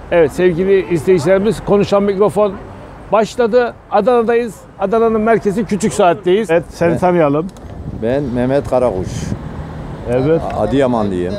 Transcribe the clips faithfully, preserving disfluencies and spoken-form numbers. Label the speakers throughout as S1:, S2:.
S1: Evet sevgili izleyicilerimiz, konuşan mikrofon başladı. Adana'dayız. Adana'nın merkezi Küçük Saat'teyiz. Evet, seni
S2: Evet.
S1: tanıyalım.
S2: Ben Mehmet Karakuş.
S1: Evet.
S2: Adıyamanlıyım.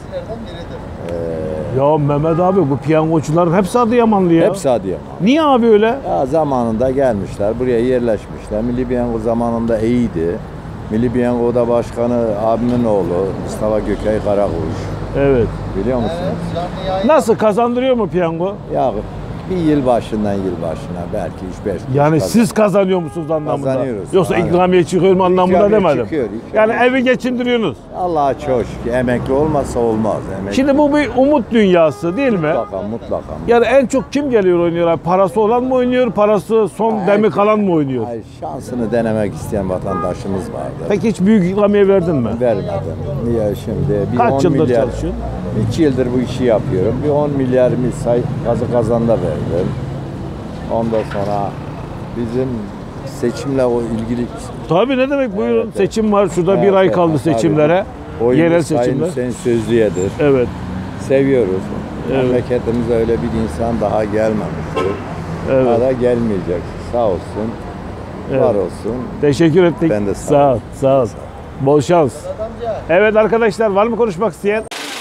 S1: Ya Mehmet abi, bu piyangocuların hepsi Adıyamanlı ya.
S2: Hepsi Adıyaman.
S1: Niye abi öyle?
S2: Ya zamanında gelmişler, buraya yerleşmişler. Milli Piyango zamanında iyiydi. Milli Piyango'da başkanı abimin oğlu Mustafa Gökay Karakuş.
S1: Evet.
S2: Biliyor musun?
S1: Nasıl, kazandırıyor mu piyango?
S2: Ya bir yıl başından yıl başına belki üç beş kuruş
S1: Yani
S2: kazan-
S1: siz kazanıyor musunuz anlamında?
S2: Kazanıyoruz.
S1: Yoksa
S2: Aynen.
S1: ikramiye çıkıyor mu anlamında
S2: İkramiye
S1: demedim.
S2: çıkıyor, ikramiye.
S1: Yani evi geçindiriyorsunuz.
S2: Allah'a çok şükür. Emekli olmazsa olmaz. Emekli.
S1: Şimdi bu bir umut dünyası değil mi?
S2: mutlaka mutlaka.
S1: Yani en çok kim geliyor oynuyor abi? Parası olan mı oynuyor? Parası son
S2: Ay,
S1: demi kalan mı oynuyor?
S2: Ay, şansını denemek isteyen vatandaşımız vardı.
S1: Peki hiç büyük ikramiye verdin mi?
S2: Vermedim. Niye şimdi? Bir
S1: Kaç
S2: on
S1: yıldır
S2: milyar,
S1: çalışıyorsun?
S2: iki yıldır bu işi yapıyorum. Bir on milyar misal kazı kazanda verdim. Ondan sonra bizim seçimle o ilgili
S1: Tabii, ne demek, buyurun.
S2: Evet,
S1: Seçim var. Şurada
S2: Evet,
S1: bir ay
S2: evet,
S1: kaldı
S2: tabii.
S1: seçimlere.
S2: oyumuz
S1: Yerel
S2: Sayın
S1: seçimler.
S2: Hüseyin Sözlüye'dir.
S1: Evet.
S2: Seviyoruz.
S1: Evet.
S2: Memleketimize öyle bir insan daha gelmemiştir.
S1: Evet.
S2: Daha da gelmeyecek. Sağ olsun.
S1: Evet.
S2: Var olsun.
S1: Teşekkür ettik.
S2: Ben de sağ
S1: sağ ol.
S2: ol.
S1: Sağ ol. Bol şans. Evet arkadaşlar, var mı konuşmak isteyen?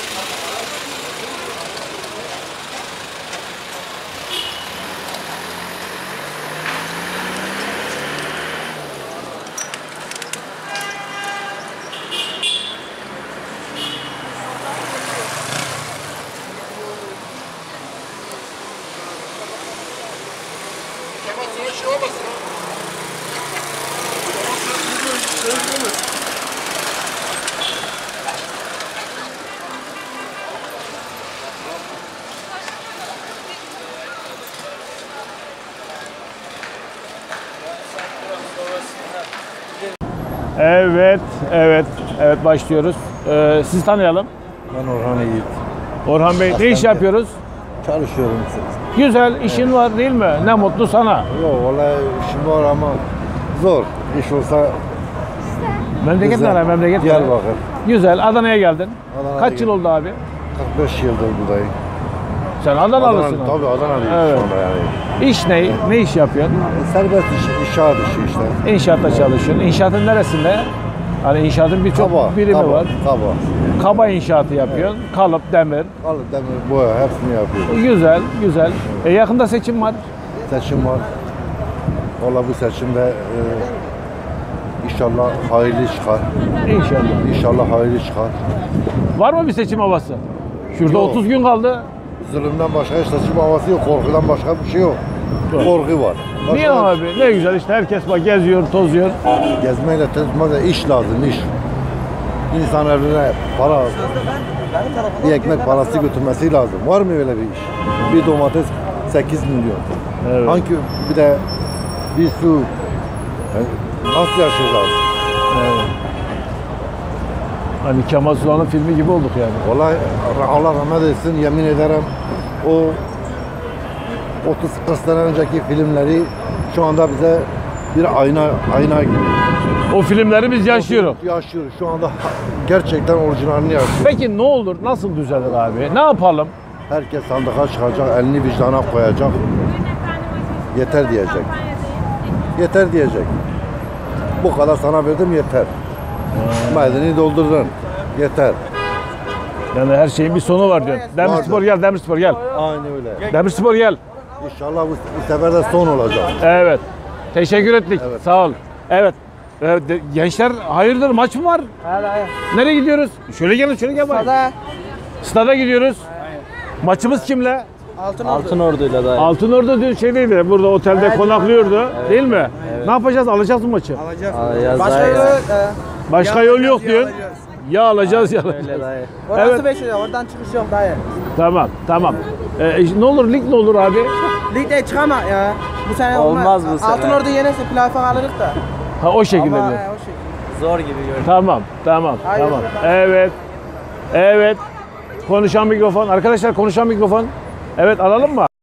S1: Evet, evet, evet başlıyoruz. Ee, sizi tanıyalım.
S3: Ben Orhan Yiğit.
S1: Orhan Bey, ne iş yapıyoruz?
S3: Çalışıyorum.
S1: Güzel, işin var değil mi? Ne mutlu sana.
S3: Yok vallahi işim var ama zor. İş olsa
S1: Memleket
S3: güzel.
S1: nere? Memleket nere?
S3: Diyarbakır.
S1: Güzel, Adana'ya geldin.
S3: Adana'ya
S1: Kaç
S3: geldim.
S1: yıl oldu abi?
S3: kırk beş yıldır buradayım.
S1: Sen Adanalısın.
S3: Adana, tabii Adana'lıyım
S1: Evet.
S3: şu anda yani.
S1: İş ne? Ne iş yapıyorsun?
S3: Serbest iş, inşaat işi işte.
S1: İnşaatta çalışıyorsun. İnşaatın neresinde? Hani inşaatın birçok
S3: Kaba,
S1: birimi
S3: kaba,
S1: var.
S3: Kaba.
S1: Kaba inşaatı yapıyorsun. Kalıp, demir.
S3: Kalıp, demir, boya hepsini yapıyoruz.
S1: Güzel, güzel. E, yakında seçim var.
S3: Seçim var. Valla bu seçimde e, inşallah hayırlı çıkar.
S1: İnşallah.
S3: İnşallah hayırlı çıkar.
S1: Var mı bir seçim havası? Şurada
S3: Yok.
S1: otuz gün kaldı.
S3: Zulümden başka hiç seçim havası yok. Korkudan başka bir şey yok. Korku var. Başka
S1: Niye abi? Ne güzel işte, herkes bak geziyor, tozuyor.
S3: Gezmeyle tezmezle iş lazım, iş. İnsan eline para, bir ekmek parası götürmesi lazım. Var mı öyle bir iş? Bir domates sekiz milyon.
S1: Evet.
S3: Hangi bir de bir su yani nasıl yaşayacağız?
S1: Evet. Hani Kemal Sunal'ın filmi gibi olduk yani.
S3: Vallahi Allah rahmet etsin, yemin ederim o otuz kırk sene önceki filmleri şu anda bize bir ayna ayna gibi.
S1: O filmleri biz yaşıyoruz.
S3: Yaşıyoruz. Şu anda gerçekten orijinalini yaşıyoruz.
S1: Peki ne olur, nasıl düzelir abi? Ne yapalım?
S3: Herkes sandığa çıkacak, elini vicdana koyacak. Yeter diyecek. Yeter diyecek. Bu kadar sana verdim yeter. Maydeni doldurdun. Yeter.
S1: Yani her şeyin bir sonu var diyor. Demirspor gel, Demirspor gel.
S3: Aynı öyle.
S1: Demirspor gel.
S3: İnşallah bu, bu sefer de son olacak.
S1: Evet. Teşekkür ettik.
S3: Evet.
S1: Sağ ol. Evet. Evet, de- gençler hayırdır, maç mı var?
S4: Hadi hadi.
S1: Nereye gidiyoruz? Şöyle gelin, şöyle gel bak.
S4: Sada
S1: Stada gidiyoruz. Maçımız kimle?
S4: Altın,
S5: Altın Ordu'yla da.
S1: Altınordu dün şeydeydi, burada otelde
S4: Evet.
S1: konaklıyordu. Değil mi? Ne yapacağız? Alacağız mı maçı?
S4: alacağız.
S5: Alacağız
S4: Başka
S5: dayı.
S4: yolu yok.
S1: Başka
S4: Ya
S1: yol
S4: alacağız,
S1: yok
S4: ya
S1: diyorsun.
S4: alacağız.
S1: Ya alacağız ya alacağız.
S5: Öyle dayı.
S4: Orası
S1: Evet.
S4: beş lira. Oradan çıkış yok dayı.
S1: Tamam, tamam. Ee, ne olur, lig ne olur abi?
S4: Ligde çıkama ya. Bu sene
S5: Olmaz bu sene.
S4: Altın Ordu yenirse playoff'a alırız da.
S1: Ha, o şekilde
S4: Ama
S1: mi?
S4: he, o şekilde.
S5: Zor gibi görünüyor.
S1: Tamam, tamam,
S4: Hayır.
S1: tamam. Evet, evet. Konuşan mikrofon. Arkadaşlar, konuşan mikrofon. Evet, alalım mı?